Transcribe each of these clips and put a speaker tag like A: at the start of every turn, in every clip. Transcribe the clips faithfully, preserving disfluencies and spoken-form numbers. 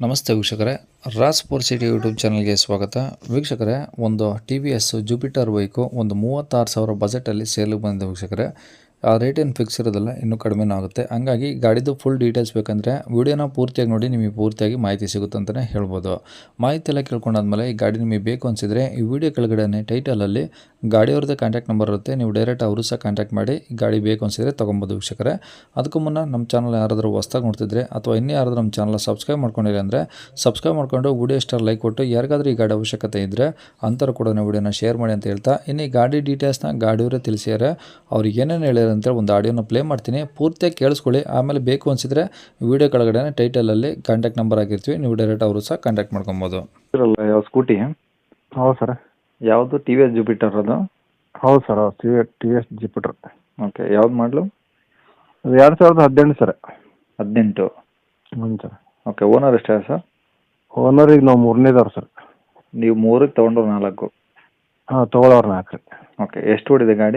A: ನಮಸ್ತೆ ವೀಕ್ಷಕರೇ, Raas four city YouTube ಚಾನಲ್ಗೆ ಸ್ವಾಗತ. ವೀಕ್ಷಕರೇ, ಒಂದು T V S Jupiter bike ಒಂದು ಮೂವತ್ತಾರು ಸಾವಿರ ಬಜೆಟಲ್ಲಿ ಸೇಲಿಗೆ ಬಂದಿದೆ ವೀಕ್ಷಕರೇ. ಆ ರೇಟ್ ಏನು ಫಿಕ್ಸ್ ಇರೋದಿಲ್ಲ, ಇನ್ನೂ ಕಡಿಮೆನೂ ಆಗುತ್ತೆ. ಹಂಗಾಗಿ ಗಾಡಿದು ಫುಲ್ ಡೀಟೇಲ್ಸ್ ಬೇಕಂದರೆ ವೀಡಿಯೋನ ಪೂರ್ತಿಯಾಗಿ ನೋಡಿ, ನಿಮಗೆ ಪೂರ್ತಿಯಾಗಿ ಮಾಹಿತಿ ಸಿಗುತ್ತೆ ಅಂತಲೇ ಹೇಳ್ಬೋದು. ಮಾಹಿತಿ ಎಲ್ಲ ಕೇಳ್ಕೊಂಡಾದ್ಮೇಲೆ ಈ ಗಾಡಿ ನಿಮಗೆ ಬೇಕು ಅನಿಸಿದರೆ ಈ ವಿಡಿಯೋ ಕೆಳಗಡೆ ಟೈಟಲಲ್ಲಿ ಗಾಡಿಯವ್ರದ್ದು ಕಾಂಟ್ಯಾಕ್ಟ್ ನಂಬರ್ ಇರುತ್ತೆ. ನೀವು ಡೈರೆಕ್ಟ್ ಅವರು ಸಹ ಕಾಂಟ್ಯಾಕ್ಟ್ ಮಾಡಿ ಈ ಗಾಡಿ ಬೇಕು ಅನಿಸಿದರೆ ತೊಗೊಬೋದು ವೀಕ್ಷಕರೇ. ಅದಕ್ಕೂ ಮುನ್ನ ನಮ್ಮ ಚಾನಲ್ ಯಾರಾದರೂ ಹೊಸ್ದಾಗಿ ನೋಡ್ತಿದ್ರೆ ಅಥವಾ ಇನ್ನೂ ಯಾರಾದರೂ ನಮ್ಮ ಚಾನಲ್ ಸಬ್ಸ್ಕ್ರೈಬ್ ಮಾಡ್ಕೊಂಡಿಲ್ಲ ಅಂದರೆ ಸಬ್ಸ್ಕ್ರೈಬ್ ಮಾಡ್ಕೊಂಡು ವಿಡಿಯೋ ಸ್ಟಾರ್ ಲೈಕ್ ಕೊಟ್ಟು ಯಾರಿಗಾದ್ರೂ ಈ ಗಾಡಿ ಅವಶ್ಯಕತೆ ಇದ್ದರೆ ಅಂಥವ್ರು ಕೂಡ ವಿಡಿಯೋನ ಶೇರ್ ಮಾಡಿ ಅಂತ ಹೇಳ್ತಾ, ಇನ್ನು ಈ ಗಾಡಿ ಡೀಟೇಲ್ಸ್ನ ಗಾಡಿಯವರೇ ತಿಳಿಸಿದ್ದಾರೆ. ಅವ್ರಿಗೆ ಏನೇನು ಹೇಳ್ಯಾರ ಅಂತೇಳಿ ಒಂದು ಆಡಿಯೋನ ಪ್ಲೇ ಮಾಡ್ತೀನಿ, ಪೂರ್ತಿಯಾಗಿ ಕೇಳಿಸ್ಕೊಳ್ಳಿ. ಆಮೇಲೆ ಬೇಕು ಅನಿಸಿದರೆ ವಿಡಿಯೋ ಕೆಳಗಡೆ ಟೈಟಲಲ್ಲಿ ಕಾಂಟ್ಯಾಕ್ಟ್ ನಂಬರ್ ಆಗಿರ್ತೀವಿ, ನೀವು ಡೈರೆಕ್ಟ್ ಅವರು ಸಹ ಕಾಂಟ್ಯಾಕ್ಟ್ ಮಾಡ್ಕೊಬೋದು.
B: ಯಾವ ಸ್ಕೂಟಿ?
C: ಹೌದು ಸರ್.
B: ಯಾವುದು ಟಿ ವಿ ಎಸ್ ಜುಪಿಟರ್ ಅದು?
C: ಹೌದು sir, T V T V S Jupiter.
B: Okay, ಯಾವ್ದು ಮಾಡಲು?
C: ಅದು ಎರಡು ಸಾವಿರದ ಹದಿನೆಂಟು ಸರ್.
B: ಹದಿನೆಂಟು?
C: ಹ್ಞೂ ಸರ್.
B: ಓಕೆ, ಓನರ್ ಎಷ್ಟೇ ಸರ್?
C: ಓನರಿಗೆ ನಾವು ಮೂರನೇದವ್ರು ಸರ್.
B: ನೀವು ಮೂರಕ್ಕೆ ತೊಗೊಂಡ್ರು ನಾಲ್ಕು?
C: ಹಾಂ, ತೊಗೊಳೋರು ನಾಲ್ಕು ರೀ.
B: ಓಕೆ, ಎಷ್ಟು ಓಡಿದೆ ಗಾಡಿ?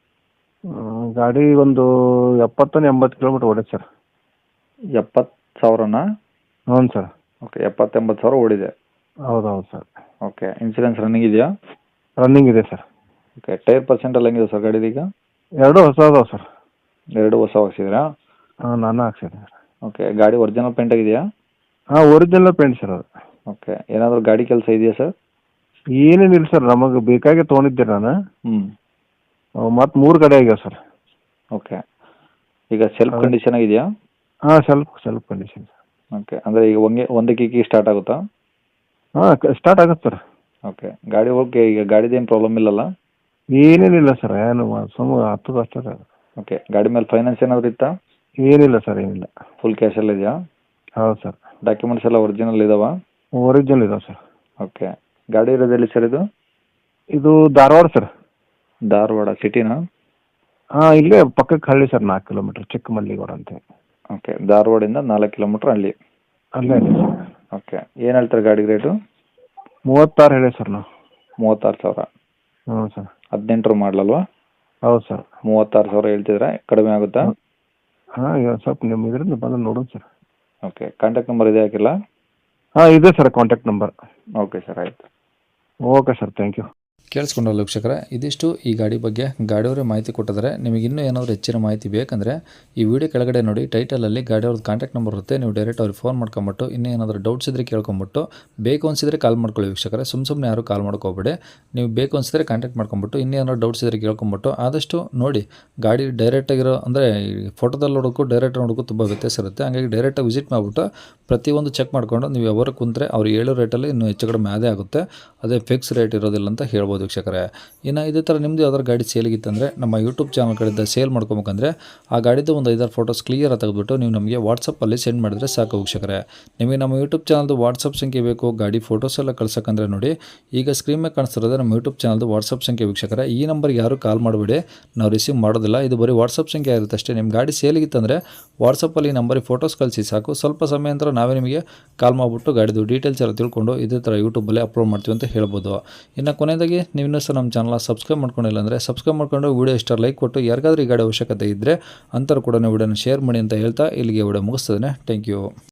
C: ಗಾಡಿ ಒಂದು ಎಪ್ಪತ್ತೊಂದು ಎಂಬತ್ತು ಕಿಲೋಮೀಟ್ರ್ ಓಡಿದೆ ಸರ್.
B: ಎಪ್ಪತ್ತು ಸಾವಿರನಾ?
C: ಹ್ಞೂ ಸರ್.
B: ಓಕೆ, ಎಪ್ಪತ್ತೆಂಬತ್ತು ಸಾವಿರ ಓಡಿದೆ.
C: ಹೌದು ಹೌದು ಸರ್.
B: ಓಕೆ, ಇನ್ಸೂರೆನ್ಸ್ ರನ್ನಿಂಗ್ ಇದೆಯಾ?
C: ರನ್ನಿಂಗ್ ಇದೆ ಸರ್.
B: ಓಕೆ, ಟೈರ್ ಪರ್ಸೆಂಟ್ ಎಲ್ಲ ಹೆಂಗಿದೆ ಸರ್ ಗಾಡಿದೀಗ?
C: ಎರಡು ಹೊಸ ಅದಾವೆ ಸರ್.
B: ಎರಡು ಹೊಸ ಹಾಕ್ಸಿದ್ರಾ?
C: ಹಾಂ, ನಾನು ಹಾಕ್ಸಿದ್ದೆ ಸರ್.
B: ಓಕೆ, ಗಾಡಿ ಒರಿಜಿನಲ್ ಪೇಂಟ್ ಆಗಿದೆಯಾ?
C: ಹಾಂ, ಒರಿಜಿನಲ್ ಪೇಂಟ್ ಸರ್ ಅದು.
B: ಓಕೆ, ಏನಾದರೂ ಗಾಡಿ ಕೆಲಸ ಇದೆಯಾ ಸರ್?
C: ಏನೇನಿಲ್ಲ ಸರ್, ನಮಗೆ ಬೇಕಾಗಿ ತೊಗೊಂಡಿದ್ದೆ ನಾನು.
B: ಹ್ಞೂ.
C: ಮತ್ತು ಮೂರು ಗಾಡಿ ಆಗ್ಯಾವ ಸರ್.
B: ಓಕೆ, ಈಗ ಸೆಲ್ಫ್ ಕಂಡೀಷನ್ ಆಗಿದೆಯಾ?
C: ಹಾಂ, ಸ್ವಲ್ಪ ಸ್ವಲ್ಪ ಕಂಡೀಷನ್ ಸರ್.
B: ಓಕೆ, ಅಂದರೆ ಈಗ ಒಂದೇ ಒಂದೇ ಕಿಕ್ಕಿ ಸ್ಟಾರ್ಟ್ ಆಗುತ್ತಾ?
C: ಹಾಂ, ಸ್ಟಾರ್ಟ್ ಆಗುತ್ತೆ ಸರ್.
B: ಓಕೆ, ಗಾಡಿ ಓಕೆ, ಈಗ ಗಾಡಿದೇನು ಪ್ರಾಬ್ಲಮ್ ಇಲ್ಲಲ್ಲ?
C: ಏನೇನಿಲ್ಲ ಸರ್, ಏನು ಸುಮ್ಮ ಹತ್ತದ ಅಷ್ಟೇ ಸರ್.
B: ಓಕೆ, ಗಾಡಿ ಮೇಲೆ ಫೈನಾನ್ಸ್ ಏನಾದರೂ ಇತ್ತಾ?
C: ಏನಿಲ್ಲ ಸರ್, ಏನಿಲ್ಲ.
B: ಫುಲ್ ಕ್ಯಾಶಲ್ಲಿ ಇದೆಯಾ?
C: ಹೌದು ಸರ್.
B: ಡಾಕ್ಯುಮೆಂಟ್ಸ್ ಎಲ್ಲ ಒರಿಜಿನಲ್ ಇದಾವಾ?
C: ಒರಿಜಿನಲ್ ಇದಾವೆ ಸರ್.
B: ಓಕೆ, ಗಾಡಿ ಇರೋದೆಲ್ಲಿ ಸರ್ ಇದು?
C: ಇದು ಧಾರವಾಡ ಸರ್.
B: ಧಾರವಾಡ ಸಿಟಿನಾ?
C: ಹಾಂ, ಇಲ್ಲೇ ಪಕ್ಕಕ್ಕೆ ಹಳ್ಳಿ ಸರ್, ನಾಲ್ಕು ಕಿಲೋಮೀಟ್ರ್, ಚಿಕ್ಕಮಲ್ಲಿಗೌಡ ಅಂತ.
B: ಓಕೆ, ಧಾರವಾಡಿಂದ ನಾಲ್ಕು ಕಿಲೋಮೀಟ್ರ್ ಹಳ್ಳಿ.
C: ಅಲ್ಲೇ ಇದೆ ಸರ್.
B: ಓಕೆ, ಏನು ಹೇಳ್ತಾರೆ ಗಾಡಿ ರೇಟು?
C: ಮೂವತ್ತಾರು ಹೇಳಿ ಸರ್ ನಾವು.
B: ಮೂವತ್ತಾರು ಸಾವಿರ?
C: ಹ್ಞೂ ಸರ್.
B: ಹದಿನೆಂಟರು ಮಾಡಲಲ್ವಾ?
C: ಹೌದು ಸರ್.
B: ಮೂವತ್ತಾರು ಸಾವಿರ ಹೇಳ್ತಿದ್ರೆ ಕಡಿಮೆ ಆಗುತ್ತಾ?
C: ಹಾಂ, ಈಗ ಸ್ವಲ್ಪ ನಿಮ್ಮ ಇದರಿಂದ ಬಂದು ನೋಡೋಣ ಸರ್.
B: ಓಕೆ, ಕಾಂಟ್ಯಾಕ್ಟ್ ನಂಬರ್ ಇದೆ ಹಾಕಿಲ್ಲ?
C: ಹಾಂ, ಇದೆ sir contact number.
B: Okay sir, ಆಯಿತು.
C: Okay sir, thank you.
A: ಕೇಳಿಸ್ಕೊಂಡಲ್ಲ ವೀಕ್ಷಕರೇ, ಇದಿಷ್ಟು ಈ ಗಾಡಿ ಬಗ್ಗೆ ಗಾಡಿಯವರೇ ಮಾಹಿತಿ ಕೊಟ್ಟಿದ್ದಾರೆ. ನಿಮಗೆ ಇನ್ನೂ ಏನಾದರೂ ಹೆಚ್ಚಿನ ಮಾಹಿತಿ ಬೇಕಂದರೆ ಈ ವಿಡಿಯೋ ಕೆಳಗಡೆ ನೋಡಿ, ಟೈಟಲಲ್ಲಿ ಗಾಡಿಯವ್ರದ್ದು ಕಾಂಟ್ಯಾಕ್ಟ್ ನಂಬರ್ ಇರುತ್ತೆ. ನೀವು ಡೈರೆಕ್ಟ್ ಅವ್ರಿಗೆ ಫೋನ್ ಮಾಡ್ಕೊಂಬಿಟ್ಟು ಇನ್ನೂ ಏನಾದರೂ ಡೌಟ್ಸ್ ಇದ್ದರೆ ಕೇಳ್ಕೊಂಬಿಟ್ಟು ಬೇಕು ಅನಿಸಿದರೆ ಕಾಲ್ ಮಾಡ್ಕೊಳ್ಳಿ ವೀಕ್ಷಕರೇ. ಸುಮ್ಮ ಸುಮ್ಮನೆ ಯಾರು ಕಾಲ್ ಮಾಡ್ಕೋಬೇಡಿ. ನೀವು ಬೇಕು ಅನಿಸಿದರೆ ಕಾಂಟ್ಯಾಕ್ಟ್ ಮಾಡ್ಕೊಂಬಿಟ್ಟು ಇನ್ನೂ ಏನಾದರೂ ಡೌಟ್ಸ್ ಇದ್ದರೆ ಕೇಳ್ಕೊಂಬಿಟ್ಟು ಆದಷ್ಟು ನೋಡಿ. ಗಾಡಿ ಡೈರೆಕ್ಟಾಗಿರೋ ಅಂದರೆ ಫೋಟೋದಲ್ಲಿ ನೋಡೋಕ್ಕೂ ಡೈರೆಕ್ಟ್ ನೋಡೋಕ್ಕೂ ತುಂಬ ವ್ಯತ್ಯಾಸ ಇರುತ್ತೆ. ಹಾಗಾಗಿ ಡೈರೆಕ್ಟಾಗಿ ವಿಸಿಟ್ ಮಾಡಿಬಿಟ್ಟು ಪ್ರತಿಯೊಂದು ಚೆಕ್ ಮಾಡಿಕೊಂಡು ನೀವು ಯಾವಾಗ ಕುಂತರೆ ಅವ್ರು ಹೇಳೋ ರೇಟಲ್ಲಿ ಇನ್ನೂ ಹೆಚ್ಚು ಕಡಿಮೆ ಅದೇ ಆಗುತ್ತೆ. ಅದೇ ಫಿಕ್ಸ್ ರೇಟ್ ಇರೋದಿಲ್ಲ ಅಂತ ಹೇಳ್ಬೋದು ವೀಕ್ಷಕರೇ. ಇನ್ನು ಇದೇ ಥರ ನಿಮ್ಮದು ಯಾವ್ದಾದ್ರು ಗಾಡಿ ಸೇಲಿಗಿತ್ತಂದರೆ ನಮ್ಮ ಯೂಟ್ಯೂಬ್ ಚಾನಲ್ ಕಡೆಯಿಂದ ಸೇಲ್ ಮಾಡ್ಕೊಬೇಕಂದ್ರೆ ಆ ಗಾಡಿದು ಒಂದು ಐದಾರು ಫೋಟೋಸ್ ಕ್ಲಿಯರ್ ತೆಗೆದುಬಿಟ್ಟು ನೀವು ನಮಗೆ ವಾಟ್ಸಪ್ಪಲ್ಲಿ ಸೆಂಡ್ ಮಾಡಿದ್ರೆ ಸಾಕು ವೀಕ್ಷಕರೇ. ನಿಮಗೆ ನಮ್ಮ ಯೂಟ್ಯೂಬ್ ಚಾನಲ್ದು ವಾಟ್ಸಪ್ ಸಂಖ್ಯೆ ಬೇಕು, ಗಾಡಿ ಫೋಟೋಸ್ ಎಲ್ಲ ಕಳ್ಸೋಕ್ಕಂದ್ರೆ ನೋಡಿ, ಈಗ ಸ್ಕ್ರೀನ್ ಮೇಲೆ ಕಾಣಿಸ್ತಿರೋದು ನಮ್ಮ ಯೂಟ್ಯೂಬ್ ಚಾನಲ್ದು ವಾಟ್ಸಪ್ ಸಂಖ್ಯೆ ವೀಕ್ಷಕರೇ. ಈ ನಂಬರ್ಗೆ ಯಾರು ಕಾಲ್ ಮಾಡಬೇಡಿ, ನಾವು ರಿಸೀವ್ ಮಾಡೋದಿಲ್ಲ. ಇದು ಬರೀ ವಾಟ್ಸಪ್ ಸಂಖ್ಯೆ ಇರುತ್ತೆ ಅಷ್ಟೇ. ನಿಮ್ಮ ಗಾಡಿ ಸೇಲಿಗಿತ್ತಂದರೆ ವಾಟ್ಸಪ್ಪಲ್ಲಿ ಈ ನಂಬರಿಗೆ ಫೋಟೋಸ್ ಕಳಿಸಿ ಸಾಕು. ಸ್ವಲ್ಪ ಸಮಯ ನಂತರ ನಾವೇ ನಿಮಗೆ ಕಾಲ್ ಮಾಡಿಬಿಟ್ಟು ಗಾಡಿದು ಡೀಟೇಲ್ಸ್ ಎಲ್ಲ ತಿಳ್ಕೊಂಡು ಇದೇ ಥರ ಯೂಟ್ಯೂಬಲ್ಲಿ ಅಪ್ಲೋಡ್ ಮಾಡ್ತೀವಿ ಅಂತ ಹೇಳ್ಬೋದು. ಇನ್ನು ಕೊನೆಯದಾಗಿ ನೀವು ಇನ್ನೂ ಸಹ ನಮ್ಮ ಚಾನಲ್ ಸಬ್ಸ್ಕ್ರೈಬ್ ಮಾಡ್ಕೊಂಡಿಲ್ಲ ಅಂದರೆ ಸಬ್ಸ್ಕ್ರೈಬ್ ಮಾಡ್ಕೊಂಡು ವಿಡಿಯೋ ಇಷ್ಟ ಲೈಕ್ ಕೊಟ್ಟು ಯಾರಿಗಾದ್ರೂ ಈ ಗಾಡಿ ಅವಶ್ಯಕತೆ ಇದ್ದರೆ ಅಂಥವ್ರು ಕೂಡ ವಿಡಿಯೋನ ಶೇರ್ ಮಾಡಿ ಅಂತ ಹೇಳ್ತಾ ಇಲ್ಲಿಗೆ ವಿಡಿಯೋ ಮುಗಿಸ್ತದೆ. Thank you.